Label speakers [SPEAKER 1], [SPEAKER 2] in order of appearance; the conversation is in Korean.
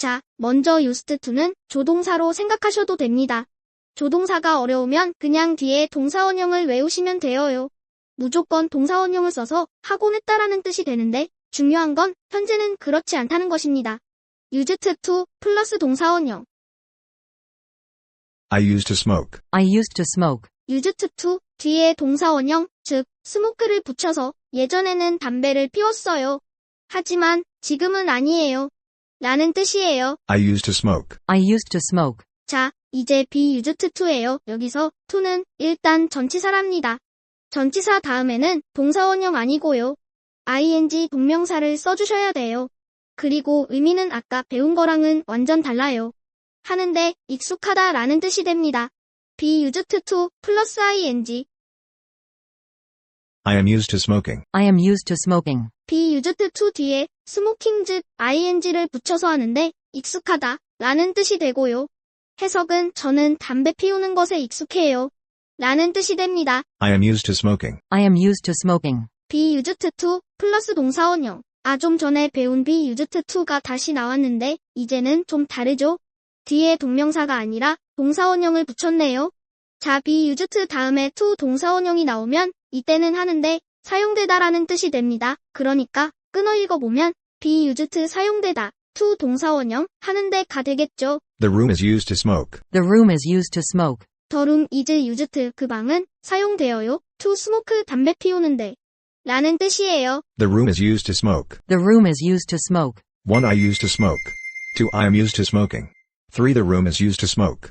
[SPEAKER 1] 자, 먼저 used to는 조동사로 생각하셔도 됩니다. 조동사가 어려우면 그냥 뒤에 동사원형을 외우시면 돼요. 무조건 동사원형을 써서 하곤 했다라는 뜻이 되는데 중요한 건 현재는 그렇지 않다는 것입니다. used to 플러스 동사원형.
[SPEAKER 2] I used to smoke.
[SPEAKER 3] I used to smoke.
[SPEAKER 1] used to 뒤에 동사원형, 즉 smoke를 붙여서 예전에는 담배를 피웠어요. 하지만 지금은 아니에요. 라는 뜻이에요.
[SPEAKER 2] I used to smoke.
[SPEAKER 3] I used to smoke.
[SPEAKER 1] 자, 이제 be used to예요. 여기서 to는 일단 전치사랍니다. 전치사 다음에는 동사원형 아니고요. ing 동명사를 써주셔야 돼요. 그리고 의미는 아까 배운 거랑은 완전 달라요. 하는데 익숙하다 라는 뜻이 됩니다. be used to 플러스 ing.
[SPEAKER 2] I am used to smoking.
[SPEAKER 3] I am used to smoking.
[SPEAKER 1] be used to 뒤에 smoking 즉 ing를 붙여서 하는데 익숙하다 라는 뜻이 되고요. 해석은 저는 담배 피우는 것에 익숙해요. 라는 뜻이 됩니다.
[SPEAKER 2] I am used to smoking.
[SPEAKER 3] I am used to smoking.
[SPEAKER 1] be used to 플러스 동사원형. 좀 전에 배운 be used to가 다시 나왔는데 이제는 좀 다르죠? 뒤에 동명사가 아니라 동사원형을 붙였네요. 자, be used 다음에 to 동사원형이 나오면 이때는 하는데 사용되다라는 뜻이 됩니다. 그러니까 끊어 읽어보면 be used 사용되다, to 동사원형 하는데가 되겠죠.
[SPEAKER 2] The room is used to smoke.
[SPEAKER 3] The room is used to smoke.
[SPEAKER 1] The room is used 그 방은 사용되어요. to smoke 담배 피우는데 라는 뜻이에요.
[SPEAKER 2] The room is used to smoke.
[SPEAKER 3] The room is used to smoke.
[SPEAKER 2] 1. I used to smoke. 2. I am used to smoking. 3. The room is used to smoke.